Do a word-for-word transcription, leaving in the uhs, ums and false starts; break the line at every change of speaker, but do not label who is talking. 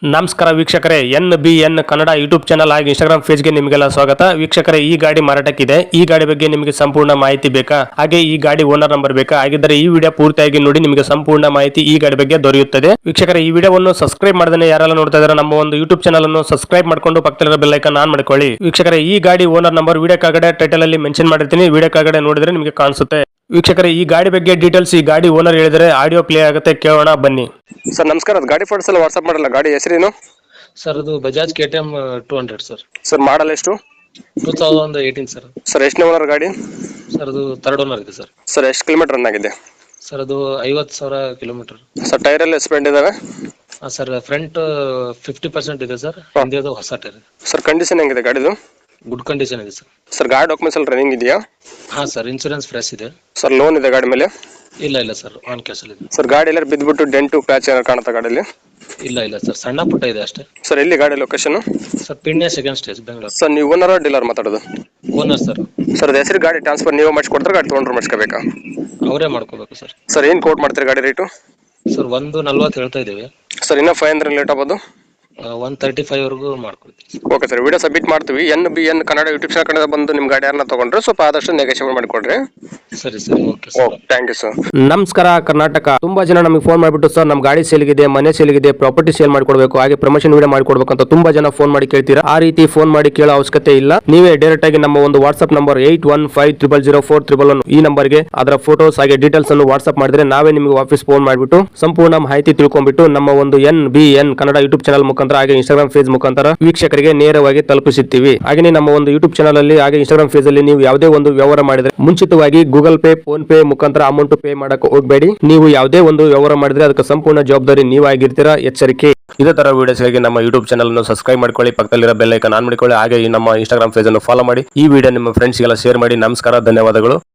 ನಮಸ್ಕಾರ ವೀಕ್ಷಕರೇ, N B N Kannada YouTube channel ಹಾಗೂ ಇನ್ಸ್ಟಾಗ್ರಾಮ್ ಪೇಜ್ಗೆ ನಿಮಗೆಲ್ಲ ಸ್ವಾಗತ. ವೀಕ್ಷಕರೇ, ಈ ಗಾಡಿ ಮಾರಾಟಕ್ಕಿದೆ. ಈ ಗಾಡಿ ಬಗ್ಗೆ ನಿಮಗೆ ಸಂಪೂರ್ಣ ಮಾಹಿತಿ ಬೇಕಾ, ಹಾಗೆ ಈ ಗಾಡಿ ಓನರ್ ನಂಬರ್ ಬೇಕಾ? ಹಾಗಿದ್ದರೆ ಈ ವಿಡಿಯೋ ಪೂರ್ತಿಯಾಗಿ ನೋಡಿ, ನಿಮಗೆ ಸಂಪೂರ್ಣ ಮಾಹಿತಿ ಈ ಗಾಡಿ ಬಗ್ಗೆ ದೊರೆಯುತ್ತದೆ. ವೀಕ್ಷಕರೇ, ಈ ವಿಡಿಯೋವನ್ನು ಸಬ್ಸ್ಕ್ರೈಬ್ ಮಾಡದೇ ಯಾರೆಲ್ಲ ನೋಡ್ತಾ ಇದ್ದಾರೆ ನಮ್ಮ ಒಂದು ಯೂಟ್ಯೂಬ್ ಚಾನಲ್ ಅನ್ನು ಸಬ್ಸ್ಕ್ರೈಬ್ ಮಾಡ್ಕೊಂಡು ಪಕ್ಕದಲ್ಲಿರೋ ಬೆಲ್ ಐಕಾನ್ ಆನ್ ಮಾಡ್ಕೊಳ್ಳಿ. ವೀಕ್ಷಕರೇ, ಈ ಗಾಡಿ ಓನರ್ ನಂಬರ್ ವಿಡಿಯೋ ಕೆಳಗಡೆ ಟೈಟಲ್ ಅಲ್ಲಿ ಮೆನ್ಷನ್ ಮಾಡಿರ್ತೀನಿ, ವಿಡಿಯೋ ಕೆಳಗಡೆ ನೋಡಿದ್ರೆ ನಿಮಗೆ ಕಾಣಿಸುತ್ತೆ. ವೀಕ್ಷಕರೇ, ಈ ಗಾಡಿ ಬಗ್ಗೆ ಡೀಟೇಲ್ಸ್ ಈ ಗಾಡಿ ಓನರ್ ಹೇಳಿದರೆ ಆಡಿಯೋ ಪ್ಲೇ ಆಗುತ್ತೆ, ಕೇಳೋಣ ಬನ್ನಿ.
ಸರ್ ನಮಸ್ಕಾರ, ಅದು ಗಾಡಿ ಫೋಟೋಸ್ ಎಲ್ಲ ವಾಟ್ಸ್ಆಪ್ ಮಾಡಲ್ಲ. ಗಾಡಿ ಹೆಸರೇನು
ಸರ್? ಅದು Bajaj K T M two hundred sir.
Sir model ಎಷ್ಟು?
Two thousand eighteen sir.
Sir ಎಷ್ಟನೇ ಓನರ್ ಗಾಡಿ?
ಸರ್ ಅದು ಥರ್ಡ್ ಓನರ್ ಇದೆ ಸರ್.
ಸರ್ ಎಷ್ಟು ಕಿಲೋಮೀಟರ್ ರನ್ ಆಗಿದೆ?
ಸರ್ ಅದು ಐವತ್ತು ಸಾವಿರ ಕಿಲೋಮೀಟರ್.
ಸರ್ ಟೈರ್ ಎಲ್ಲ ಸ್ಪೆಂಡ್ ಇದಾವೆ?
ಹಾಂ ಸರ್, ಫ್ರಂಟ್ ಫಿಫ್ಟಿ ಪರ್ಸೆಂಟ್ ಇದೆ ಸರ್, ಹಿಂದಿದು ಹೊಸ ಟೈರ್.
ಸರ್ ಕಂಡೀಷನ್ ಹೆಂಗಿದೆ ಗಾಡಿದು?
ಗುಡ್ ಕಂಡೀಷನ್ ಇದೆ ಸರ್.
ಸರ್ ಗಾಡಿ ಡಾಕ್ಯುಮೆಂಟ್ಸ್ ಎಲ್ಲ ರನ್ನಿಂಗ್ ಇದೆಯಾ?
ಹಾಂ ಸರ್, ಇನ್ಸೂರೆನ್ಸ್ ಫ್ರೆಶ್ ಇದೆ.
ಸರ್ ಲೋನ್ ಇದೆ ಗಾಡಿ ಮೇಲೆ?
ಇಲ್ಲ ಇಲ್ಲ ಸರ್, ಆನ್ ಕ್ಯಾಶಲ್ಲಿ ಇದೆ.
ಸರ್ ಗಾಡಿ ಎಲ್ಲ ಬಿದ್ದುಬಿಟ್ಟು ಡೆಂಟು ಕ್ರಾಚ್ ಏನಾರು ಕಾಣುತ್ತಾ ಗಾಡಿಯಲ್ಲಿ?
ಇಲ್ಲ ಇಲ್ಲ ಸರ್, ಸಣ್ಣ ಪುಟ್ಟ ಇದೆ ಅಷ್ಟೇ.
ಸರ್ ಎಲ್ಲಿ ಗಾಡಿ location?
Sir Peenya second stage, Bengaluru.
Sir ನೀವು ಓನರ್ ಡೀಲರ್ ಮಾತಾಡೋದು?
Owner sir.
ಸರ್ ಅದು ಹೆಸರು ಗಾಡಿ ಟ್ರಾನ್ಸ್ಫರ್ ನೀವು ಮಾಡಿಸ್ಕೊಡ್ತಾರೆ, ಗಾಡಿ ತೊಗೊಂಡ್ರೆ ಮಾಡಿಸ್ಕೋಬೇಕಾ?
ಅವರೇ ಮಾಡ್ಕೋಬೇಕು ಸರ್.
ಸರ್ ಏನು ಕೋಟ್ ಮಾಡ್ತೀರಿ ಗಾಡಿ ರೇಟು?
ಸರ್ ಒಂದು ನಲ್ವತ್ತು ಹೇಳ್ತಾ ಇದ್ದೀವಿ.
ಸರ್ ಇನ್ನೂ ಫೈವ್ ಹಂಡ್ರೆಡ್ ಲೇಟ್ ಆಗ್ಬೋದು?
ಒನ್ ತರ್ಟಿ ಫೈವ್ ವರೆಗೂ ಮಾಡ್ಕೊಡ್ತೀವಿ.
ಓಕೆ ಸರ್, ವಿಡಿಯೋ ಸಬ್ಮಿಟ್ ಮಾಡ್ತೀವಿ. N B N Kannada YouTube channel ಕಡೆ ಬಂದು ನಿಮ್ಮ ಗಾಡಿ ಯಾರನ್ನ ತೊಗೊಂಡ್ರೆ ಸ್ವಲ್ಪ ಆದಷ್ಟು ನೆಗೋಷಿಯೇಟ್ ಮಾಡಿಕೊಡ್ರಿ.
ಸರಿ ಸರಿ, okay sir.
Thank you sir.
ನಮಸ್ಕಾರ ಕರ್ನಾಟಕ. ತುಂಬಾ ಜನ ನಮಗೆ ಫೋನ್ ಮಾಡಿಬಿಟ್ಟು ಸರ್ ನಮ್ಮ ಗಾಡಿ ಸೇಲ್ಗಿದೆ, ಮನೆ ಸೇಲ್ಗಿದೆ, ಪ್ರಾಪರ್ಟಿ ಸೇಲ್ ಮಾಡ್ಕೊಡ್ಬೇಕು, ಹಾಗೆ ಪ್ರಮೋಷನ್ ವಿಡಿಯೋ ಮಾಡ್ಕೊಡ್ಬೇಕು ಅಂತ ತುಂಬಾ ಜನ ಫೋನ್ ಮಾಡಿ ಕೇಳ್ತೀರಾ. ಆ ರೀತಿ ಫೋನ್ ಮಾಡಿ ಕೇಳೋ ಅವಶ್ಯಕತೆ ಇಲ್ಲ. ನೀವೇ ಡೈರೆಕ್ಟ್ ಆಗಿ ನಮ್ಮ ಒಂದು WhatsApp number eight one five triple zero four triple one ಈ ನಂಬರ್ಗೆ ಅದರ ಫೋಟೋಸ್ ಹಾಗೆ ಡೀಟೇಲ್ಸ್ ಅನ್ನು ವಾಟ್ಸ್ಆಪ್ ಮಾಡಿದ್ರೆ ನಾವೇ ನಿಮಗೆ ವಾಪಸ್ ಫೋನ್ ಮಾಡಿಬಿಟ್ಟು ಸಂಪೂರ್ಣ ಮಾಹಿತಿ ತಿಳ್ಕೊಂಡ್ಬಿಟ್ಟು ನಮ್ಮ ಒಂದು N B N Kannada YouTube channel ಮುಖಾಂತರ ಹಾಗೆ ಇನ್ಸ್ಟಾಗ್ರಾಮ್ ಪೇಜ್ ಮುಖಾಂತರ ವೀಕ್ಷಕರಿಗೆ ನೇರವಾಗಿ ತಲುಪಿಸುತ್ತೀವಿ. ಹಾಗೆ ನಮ್ಮ ಒಂದು ಯೂಟ್ಯೂಬ್ ಚಾನಲ್ ಅಲ್ಲಿ ಹಾಗೆ ಇನ್ಸ್ಟಾಗ್ರಾಮ್ ಪೇಜ್ ಅಲ್ಲಿ ನೀವು ಯಾವುದೇ ಒಂದು ವ್ಯವಹಾರ ಮಾಡಿದ್ರೆ ಮುಂಚಿತವಾಗಿ ಗೂಗಲ್ ಪೇ, ಫೋನ್ ಪೇ ಮುಖಾಂತರ ಅಮೌಂಟ್ ಪೇ ಮಾಡಕ್ಕೆ ಹೋಗಬೇಡಿ. ನೀವು ಯಾವುದೇ ಒಂದು ವ್ಯವಹಾರ ಮಾಡಿದ್ರೆ ಅದಕ್ಕೆ ಸಂಪೂರ್ಣ ಜವಾಬ್ದಾರಿ ನೀವಾಗಿರ್ತೀರಾ, ಎಚ್ಚರಿಕೆ. ಇದೇ ತರ ವಿಡಿಯೋಸ್ಗಾಗಿ ನಮ್ಮ ಯೂಟ್ಯೂಬ್ ಚಾನಲ್ ಅನ್ನು ಸಬ್ಸ್ಕ್ರೈಬ್ ಮಾಡ್ಕೊಳ್ಳಿ, ಪಕ್ಕದಲ್ಲಿರೋ ಬೆಲ್ ಐಕಾನ್ ಆನ್ ಮಾಡ್ಕೊಳ್ಳಿ, ಹಾಗೆ ನಮ್ಮ ಇನ್ಸ್ಟಾಗ್ರಾಮ್ ಪೇಜ್ ಅನ್ನು ಫಾಲೋ ಮಾಡಿ. ಈ ವಿಡಿಯೋ ನಿಮ್ಮ ಫ್ರೆಂಡ್ಸ್ಗೆಲ್ಲ ಶೇರ್ ಮಾಡಿ. ನಮಸ್ಕಾರ, ಧನ್ಯವಾದಗಳು.